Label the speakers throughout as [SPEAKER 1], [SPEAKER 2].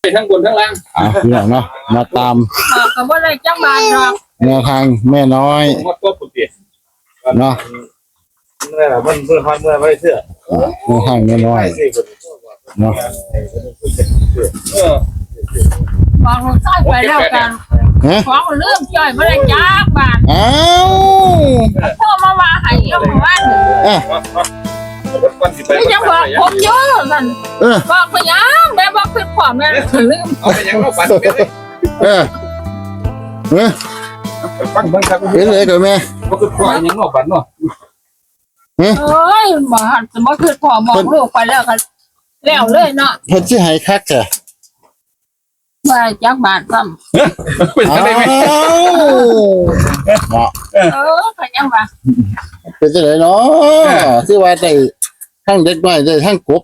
[SPEAKER 1] ทั้งบนทั้งล่าง
[SPEAKER 2] เนี่ยเนาะมาตาม
[SPEAKER 3] ก็บ่ได้จังบาทหรอก
[SPEAKER 2] แนวทางแม่น้อย
[SPEAKER 1] หมดตัวปุ่นเตี้ย
[SPEAKER 2] เนาะ
[SPEAKER 1] เมื่อมันเมื่อฮอนเมื่อไม่เชื่อ
[SPEAKER 2] แนวทางแม่น้อยเนาะ
[SPEAKER 3] บอกลูกชายไปแล้วกันของเรื่องจ่อยบ่ได้จักบาท
[SPEAKER 2] อ้าว
[SPEAKER 3] พ่อมาว่าให้เอาว่าไม่ยังบอกผมเยอะนั่นบอกไปยังแม่บอกคือความแม่ลืม
[SPEAKER 1] เอาไปยังเราฝันฟังครับ
[SPEAKER 2] เป็นเลยกับแม่
[SPEAKER 1] ก็คือความยังเราฝันเนาะ
[SPEAKER 3] เอ้ยบ่หันจะบ่คือพ่อบอกลูกไปแล้วกันแล้วเลยเนาะ
[SPEAKER 2] เพิ่นสิให้คักจ้ะ
[SPEAKER 3] ว่าจักบาทซ้ำ
[SPEAKER 1] เป็นได้ไหม
[SPEAKER 2] เนาะ
[SPEAKER 3] ก็ยังว่า
[SPEAKER 2] เป็นจังได๋เนาะคือว่าได้ทั้งเด็กน้อยได้ทั้งกบ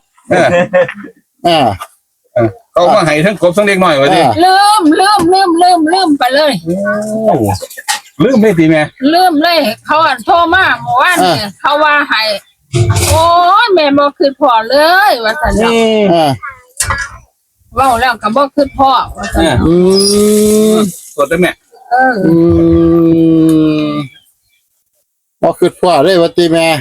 [SPEAKER 1] เขามาให้ทั้งกบทั้งเด็กน้อยว่าดิ
[SPEAKER 3] ลืมไปเลย
[SPEAKER 1] ลืมไม่ตีแม่
[SPEAKER 3] ลืมเลยเขาโทรมาเมื่อวานนี่เขาว่าให้โอ้ยแม่บ่คือพ่อเลยว่าซั่นเนาะเว้าแล้วก็บ่คือพ่อว่าซั่น
[SPEAKER 1] กดได้แม่
[SPEAKER 2] บ่คือพ่อเลยว่าติแม่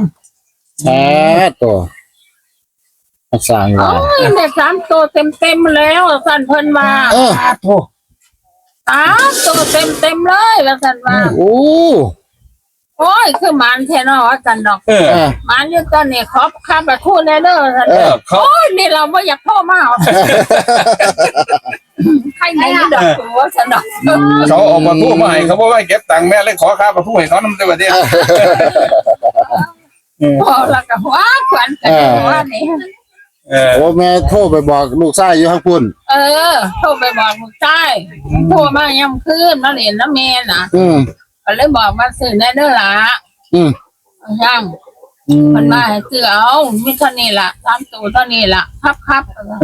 [SPEAKER 2] ตัวสร้างว่า
[SPEAKER 3] แม่3ตัวเต็มแล้วซั่นเพิ่นว่า
[SPEAKER 1] โธ่
[SPEAKER 3] 3ตัวเต็มเลยว่าซั่นว่าโอ้ยคือหมันแท้เนาะว่าซั่นดอกหมันอยู่ตอนนี้ขอค่าประทูแน่เด้อซั่นโอ้ยนี่เราบ่อยากโทรมาใครไหนดอกว่าซั่นดอก
[SPEAKER 1] เขาเอามาทูมาให้เขาบ่ว่าเก็บตังค์แม่เลยขอค่าประทูให้เขานำได้บ่ดิ
[SPEAKER 3] พอแล้วก็ว่าขวัญกันว่านี่
[SPEAKER 2] โอ้แม่โทรไปบอกลูกชายอยู่ข้างพุ่น
[SPEAKER 3] โทรไปบอกลูกชายโทรมาย่ำคืนมาเรียนน้ำแม่น่ะก็เลยบอกมาซื้อแน่เด้อล่ะย่างมันมาให้ซื้อเอามีเท่านี้ล่ะ3ตัวเท่านี้ล่ะครับ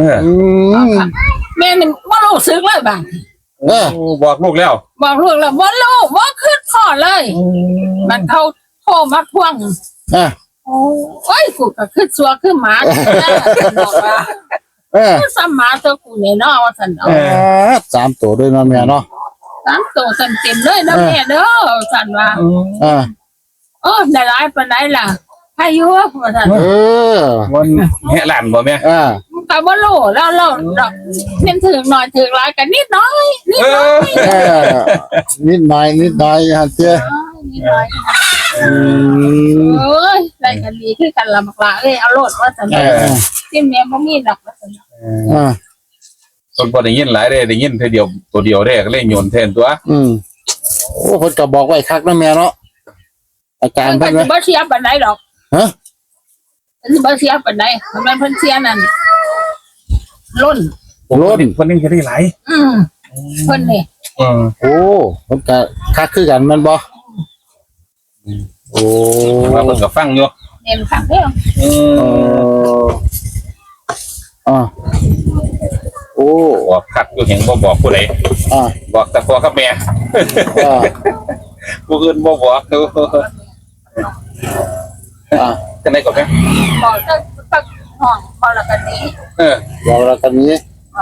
[SPEAKER 3] แม่นี่บ่รู้สึกเลยบาง
[SPEAKER 1] บอกลูกแล้ว
[SPEAKER 3] บอกลูกแล้วบ่รู้บ่คิดพอเลยมันเขาโทรมาทวงโอ้ยกูก็คือซัวคือหมาบอกว่าคือซ้ำหมาตัวกูเนี่ยเนาะว่าซั่นเนาะ
[SPEAKER 2] 3ตัวด้วยเนาะแม่เนาะ
[SPEAKER 3] 3ตัวเต็มเลยนะแม่เด้อซั่นว่าได้หลายปานใดล่ะอายุว่าซั่น
[SPEAKER 1] มันแห่หลานบ่แม่
[SPEAKER 3] ก็บ่รู้แล้วดอกเน้นถึงหน่อยถึงหลายก็นิดน้อย
[SPEAKER 2] นิดน้อยฮะเจ้
[SPEAKER 3] นิดน้อยเอ้ยได้กันดีคือกันละบักละเอาโลดว่าซั่นที่แม่บ่มีดอกว่าซั่น
[SPEAKER 1] คนบ่ได้ยินหลายเด้ได้ยินแค่เดียวตัวเดียวได้ก็เลยโยนแทนตัว
[SPEAKER 2] โอ้เพิ่นก็บอกไว้คักนะแม่เนาะอาการเพิ่น
[SPEAKER 3] บ่เสียปานใดดอกบ่เสียปานใดมันเพิ่นเสียนั่นล้น
[SPEAKER 1] เพิ่นยังจะได้หลาย
[SPEAKER 3] เพิ่นนี่
[SPEAKER 2] โอ้เพิ่นก็คักคือกันแม่นบ่โอ้
[SPEAKER 1] ว่าเพิ่นก็ฟังอยู่
[SPEAKER 3] เห็นคักเด้
[SPEAKER 2] อโอ้
[SPEAKER 1] บอกคักอยู่เห็นบ่บอกผู้ใดบอกแต่พ่อกับแม่ผู้อื่นบ่บอกดูจังได๋ก็แม่
[SPEAKER 3] บอกตั้งห้องพอละกันนี้
[SPEAKER 2] บอกละกันนี้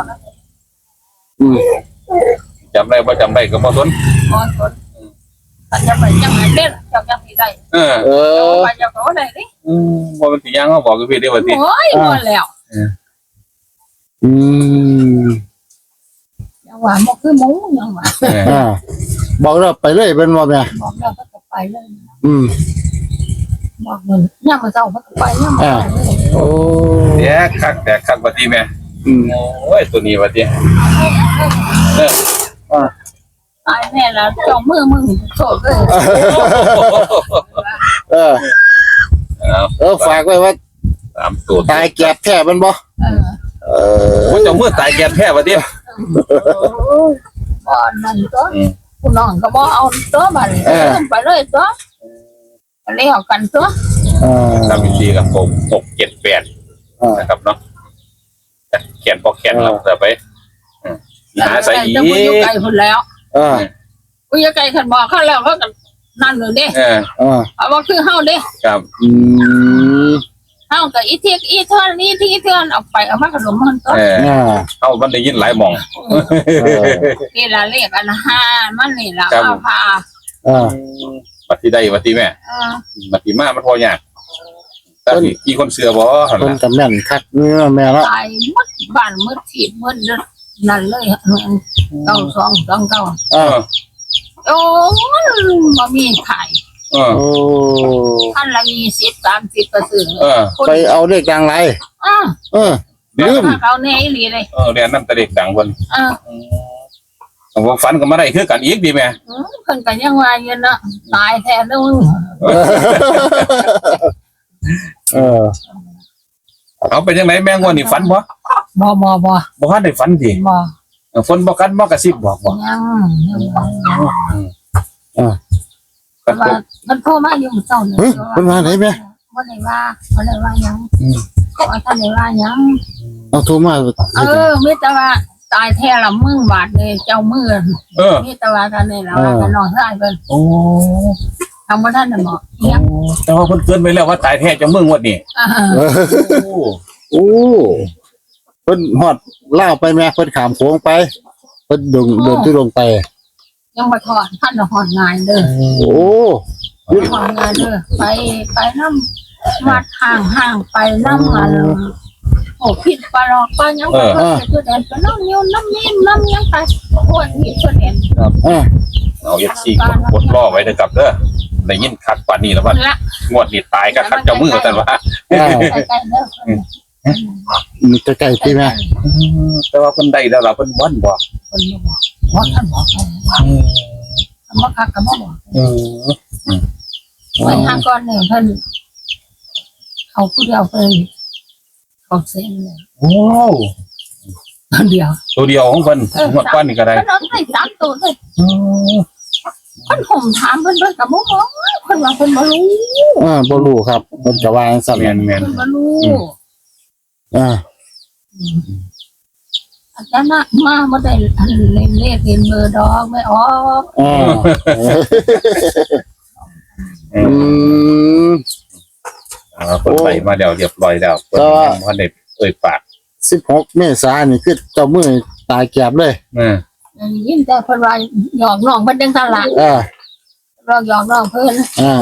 [SPEAKER 1] จำได้บ่จำได้ก็บ่สน
[SPEAKER 3] จะไปจังไหนเด้จังสิได้ไปจังก็ได้ดิ
[SPEAKER 1] บ่มันสิยังเฮาบอกกับพี่ได้ว่าสิ
[SPEAKER 3] โอ้ยบ่แล้วยังว่าบ่คือหมูยังว่า
[SPEAKER 2] บอกเราไปเลยเป็นบ่แม่
[SPEAKER 3] บอกแล้วก็ไปเลยบอกมันยามมื้อเช้าก็ไปยาม
[SPEAKER 2] โอ้
[SPEAKER 1] แต่คักว่าติแม่โอ้ยตัวนี้ว่าติ
[SPEAKER 3] ตายแม่แล้วจ้องมือมึงโสดเลย
[SPEAKER 2] ฝากไว้ว่า
[SPEAKER 1] 3ตัว
[SPEAKER 2] ตายแก็บแท้มันบ่
[SPEAKER 1] โอ้เจ้ามือตายแก็บแท้ว่าติ
[SPEAKER 3] บ่นั่นตัวผู้น้องก็บ่เอาตัวบัดไปเลยตัวเลี้ยวกันตัว
[SPEAKER 1] ทำวิธีกับผม6 7 8นะครับเนาะแขนพอแขนเราจะไปหาใส่อีก
[SPEAKER 3] อยู่ไกลพุ่นแล้วอยู่ไกลคันบอกเขาแล้วเขาก็นั่นเลยเด้เอาว่าคือเฮาเด้
[SPEAKER 1] ครับ
[SPEAKER 3] เฮาก็อีเทียกอีเทือนนี่ที่เทือนเอาไปเอามาขนมมันก็
[SPEAKER 1] เอามันได้ยินหลายหม่อง
[SPEAKER 3] นี่ละเรียกอันห้ามันนี่ละเอาพา
[SPEAKER 1] บัดที่ได้บัดที่แม่บัดที่มามันพอยากแต่ที่คนเสือบ่หั่น
[SPEAKER 2] เพิ่น
[SPEAKER 1] ล่ะ
[SPEAKER 2] ก็แม่นคักเนื้อแม่เนาะ
[SPEAKER 3] ตายหมดบ้านหมดที่หมดนั่นเลย9229 โอ้บ่มีขาย
[SPEAKER 2] โอ้
[SPEAKER 3] ท่านละ20 30ก็ซื้อ
[SPEAKER 2] ไปเอาเลขดังไรลืม
[SPEAKER 3] เขาแน่อีหลีเลย
[SPEAKER 1] เรียนนำแต่เด็กดังเพิ่นผมฝันก็มาได้คือกันอีกดีแม่
[SPEAKER 3] เพิ่นก็ยังว่าอยู่เนาะตายแท้เด้อ
[SPEAKER 1] เอาเป็นจังไดแม่งว่านี่ฝันบ่
[SPEAKER 3] บ่
[SPEAKER 1] ทันได้ฝันติ
[SPEAKER 3] บ่
[SPEAKER 1] ฝนบ่กันบ่กระซิบบอกบ่
[SPEAKER 3] ยังมันโทรมาอยู่เจ้าเนี่ย
[SPEAKER 2] เพิ่นมาไหนแม่
[SPEAKER 3] บ่ได้ว่าหยังว่าท่านได้ว่าหยัง
[SPEAKER 2] เอาโทรมา
[SPEAKER 3] มีแต่ว่าตายแท้ละมึงบาดเลยเจ้ามือมีแต่ว่าท่านนี่ล่ะว่าท่านน้องชายเพิ่น
[SPEAKER 1] โอ้
[SPEAKER 3] ทำบ่ทันน่ะบ่ยัง
[SPEAKER 1] แต่ว่าเพิ่นเกินไปแล้วว่าตายแท้จะมึงวันนี้โอ้
[SPEAKER 2] เพิ่นฮอดล่าวไปแม่เพิ่นขามโค้งไปเพิ่นเดินที่ลงไป
[SPEAKER 3] ยังบ่ถอดท่านหอดงานเด้อ
[SPEAKER 2] โอ้
[SPEAKER 3] หอดงานเด้อไปนำวัดห่างไปนำอันโอ้ผิดปลอกก็ยังบ่คือแดนไปน้ำนิ้วน้ำนิ่มน้ำยังไปโอ้ยนี่คือแดน
[SPEAKER 1] เอาFC กดรอไว้เด้อครับเด้อได้ยินคักปานนี้แล้วว่างวดนี้ตายก็คักเจ้ามือซั่นว่า
[SPEAKER 3] ใกล้ๆเด้อ
[SPEAKER 2] มีใกล้ๆที่แม่
[SPEAKER 1] แต่ว่าเพิ่นได้แล้วล่ะเพิ่นบ่นบ่
[SPEAKER 3] เพิ่นบอกท่านบอกบ่คักก็บ่บอกไว้หาก่อนนี่เพิ่นเอาผู้เดียวเพิ่นเขาเซ็นเลย
[SPEAKER 1] โอ้
[SPEAKER 3] เดียว
[SPEAKER 1] ตัวเดียวของเพิ่นงวดก่อนนี่ก็ได้
[SPEAKER 3] เพิ่นเอาได้3ตัวเลยเพิ่นห่มถามเพิ่นก็บ่บอกเพิ่นว่าเพิ่นบ่รู้
[SPEAKER 2] บ่รู้ครับเพิ่นจะว่าจังซั่น
[SPEAKER 1] แม่น
[SPEAKER 3] เพิ่นบ่รู้ อาจารย์มาบ่ได้อันเล่นเลขเล่นเบอร์ดอกไม่ออก
[SPEAKER 1] เพิ่นไปมาแล้วเรียบร้อยแล้วเพิ่นยังบ่ได้เอ่ยปาก
[SPEAKER 2] 16เมษายนนี่คือเจ้ามือตายแก็บเลย
[SPEAKER 3] ยินแต่เพิ่นว่าหยอกน้องเพิ่นจังซั่นล่ะเราหยอกน้องเพิ่น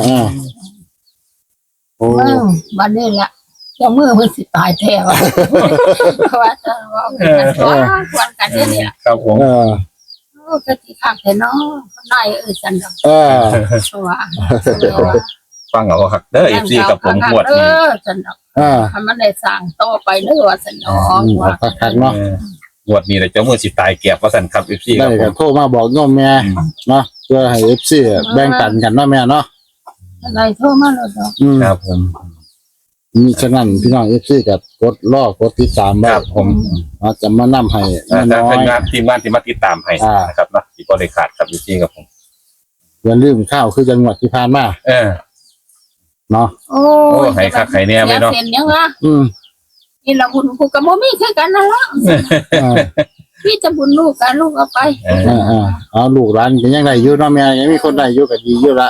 [SPEAKER 2] โอ้
[SPEAKER 3] บัดนี้ล่ะเจ้ามือเพิ่นสิตายแท้ว่าว่าจะว่าควรกันนี่ล่ะ
[SPEAKER 1] ครับผม
[SPEAKER 3] ก็สิคักแท้เนาะได้จันดอกว่า
[SPEAKER 1] ฟังเอาคักเด้อ FC กับผมงวดนี้
[SPEAKER 3] จันดอกถ้ามันได้สร้างต่อไปเด้อว่าซั่นเนาะว่า
[SPEAKER 2] คักๆเนาะ
[SPEAKER 1] งวดนี้เจ้ามือสิตายแก็บว่าซั่นครับ FC ค
[SPEAKER 2] ได้
[SPEAKER 1] รับผ
[SPEAKER 2] ก็
[SPEAKER 1] ม
[SPEAKER 2] โทรมาบอกโยมแม่เนาะเพื่อให้ FC แบ่งปันกันเนาะแม่เนาะ
[SPEAKER 3] อะไรโทรมาแล้วดอก
[SPEAKER 1] ครับผม
[SPEAKER 2] มีฉะนั้นพี่น้อง FC ก็กดรอกดติดตามไว้
[SPEAKER 1] ครับผม
[SPEAKER 2] เราจะมานำให้
[SPEAKER 1] แต่เป็นงานทีมงานที่มาติดตามให้นะครับเนาะที่บ่ได้ขาดครับ FC ครับผม
[SPEAKER 2] อย่าลืมข้าวคือจังหวัดที่ผ่านมาเนาะ
[SPEAKER 3] โอ้ให้คักให้แน่ไปเนาะเส้นยังวะนี่ละบุญกูก็บ่มีคือกันนั่นล่ะพี่จะบุญลูกกันลูกเอาไป
[SPEAKER 2] เอาลูกหลานก็ยังได้อยู่เนาะแม่ยังมีคนได้อยู่ก็ดีอยู่ละ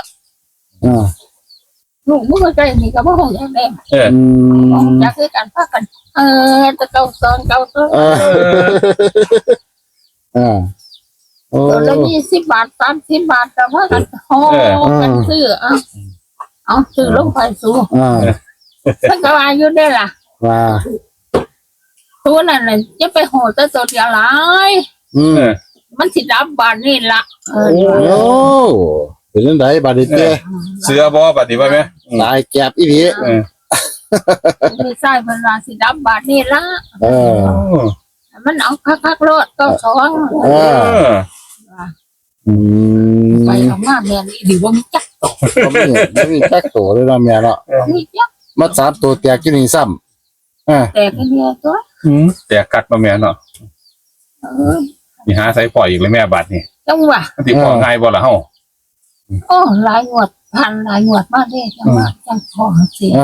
[SPEAKER 3] ลูกมึงก็ใจนี่ก็บ่ฮู้จักแน่อยากคือกันพากันจะเก่าซอนตัวละ20 บาท30 บาทแต่ว่ากันโหกันซื้อเอาซื้อลงไปสู้มันก็ว่าอยู่ได้ล่ะ
[SPEAKER 2] ว่า
[SPEAKER 3] ตัวนั้นน่ะจะไปโหแต่ตัวเดียวหลายมันสิดับบานนี่ล่ะ
[SPEAKER 2] โอ้เป็นจังได๋บัดนี้เต้
[SPEAKER 1] เสือบ่บัดนี้ว่าแม่
[SPEAKER 2] ตายแก็บอีหลี
[SPEAKER 3] ไม่ใช่เพิ่นว่าสิดับบานนี่ล่ะมันเอาคักๆโลดก็สองไปออกมาแม่นี่ดีบ่มีจัก
[SPEAKER 2] บ่มีจักโตเลยเนาะแม่เนาะ
[SPEAKER 3] มีจัก
[SPEAKER 2] มา3ตัวแตกอยู่นี่ซ้ำ
[SPEAKER 3] แต่ก็เนี่ยตัว
[SPEAKER 1] แต่กัดมาแม่เนาะนี่หาใส่ปล่อยอีกเลยแม่บัดนี่
[SPEAKER 3] จังว่า
[SPEAKER 1] สิพอง่ายบ่ล่ะเฮา
[SPEAKER 3] โอ้หลายงวดพันหลายงวดมาเด้จังว่าจังพอเสีย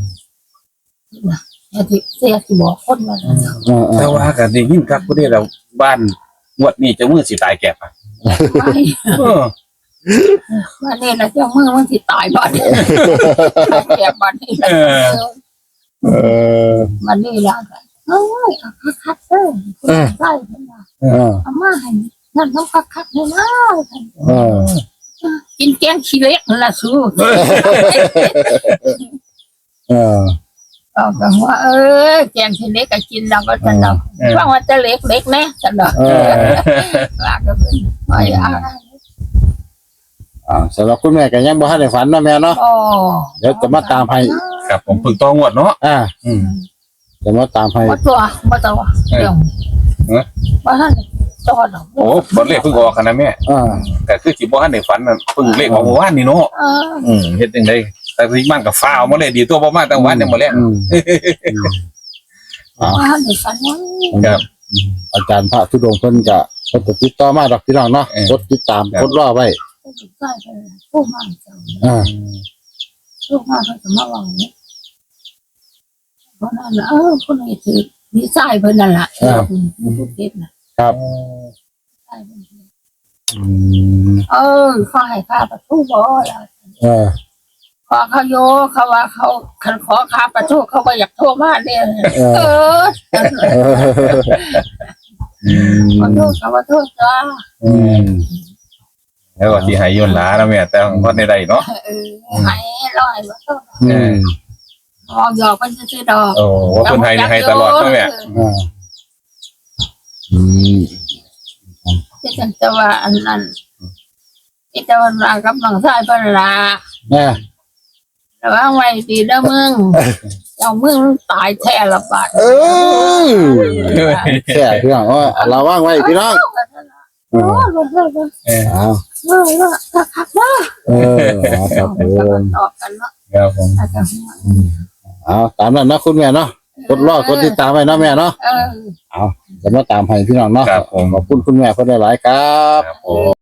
[SPEAKER 3] เสียสิบอกคนว่า
[SPEAKER 1] แต่ว่าก็ได้ยินครับผู้ใดแล้วบ้านงวดนี้เจ้ามือสิตายแก็บ
[SPEAKER 3] ว่านี่นะเจ้ามือมันสิตายบ่อนแก่บ่อนนี่มันนี่ละเอ้ยคักๆเด้อได้เพิ่นว่าเอามาให้นั่นต้องคักๆเลยนะกินแกงขี้เล็กนั่นล่ะสู้ก็ว่าแกงขี้เล็กก็กินแล้วก็สนุกว่าว่าจะเล็กๆแน่สนุกว่าก็เป็นไม่อะไร
[SPEAKER 2] สำหรับคุณแม่ก็ยังบ่ทันได้ฝันเนาะแม่เนาะเดี๋ยวจะมาตามให้
[SPEAKER 1] ครับผมพึ่งต้องงวดเนาะ
[SPEAKER 2] จะมาตามให้
[SPEAKER 3] บ่ตัวเดี๋ยวบ่ทันตัวดอก
[SPEAKER 1] โอ้บอลเลขเพิ่งออกกันนะแม่แต่คือสิบ่ทันได้ฝันเพิ่งเลขออกเมื่อวานนี่เนาะเฮ็ดจังได๋แต่ที่มันก็ฟ้าวมาเลยดีตัวบ่มาแต่วันยังบ่แลง
[SPEAKER 3] บ่ทันได้ฝันว่า
[SPEAKER 1] ครับ
[SPEAKER 2] อาจารย์พระธุดงค์เพิ่นก็เพิ่นติดต่อมาดอกพี่น้องเนาะกดติดตามกดรอไว้
[SPEAKER 3] ได้ไปผู้มาเจ้าผู้มาเพิ่นก็มาว่าเนี่ยเพราะนั้นคนนี้ถือมีสายเพิ่นนั่นล่ะผู้เก็บน่ะ
[SPEAKER 2] ครับ
[SPEAKER 3] เขาให้ค่าประตูบ่ล่ะขอเขาโยเขาว่าเขาคันขอค่าประตูเขาก็อยากโทรมาเนี่ยขอโทษเขาว่าโทษจ้า
[SPEAKER 1] แล้วก็สิให้ย้อนหลานะแม่แต่ของคนใดๆเนาะ
[SPEAKER 3] ให้ร้อยว่าโทษหยอกมันซื่อๆดอก
[SPEAKER 1] โอ้เพิ่นให้ตลอดนะแม่
[SPEAKER 3] ที่ฉันจะว่าอันนั้นที่จะวันรากับน้องชายเพิ่นล่ะแต่ว่าไว้ดีเด้อมึงเจ้ามึงตายแท้ละบาด
[SPEAKER 2] แค่พี่น้องระวังไว้พี่น้อง
[SPEAKER 3] คักๆนะครับผมตอบกันเนาะ
[SPEAKER 1] ครับผม
[SPEAKER 2] ตามนั้นนะคุณแม่เนาะกดรอกดติดตามไว้เนาะแม่เนาะจะมาตามให้พี่น้องเนาะขอบคุณคุณแม่เพิ่นหลายๆครับ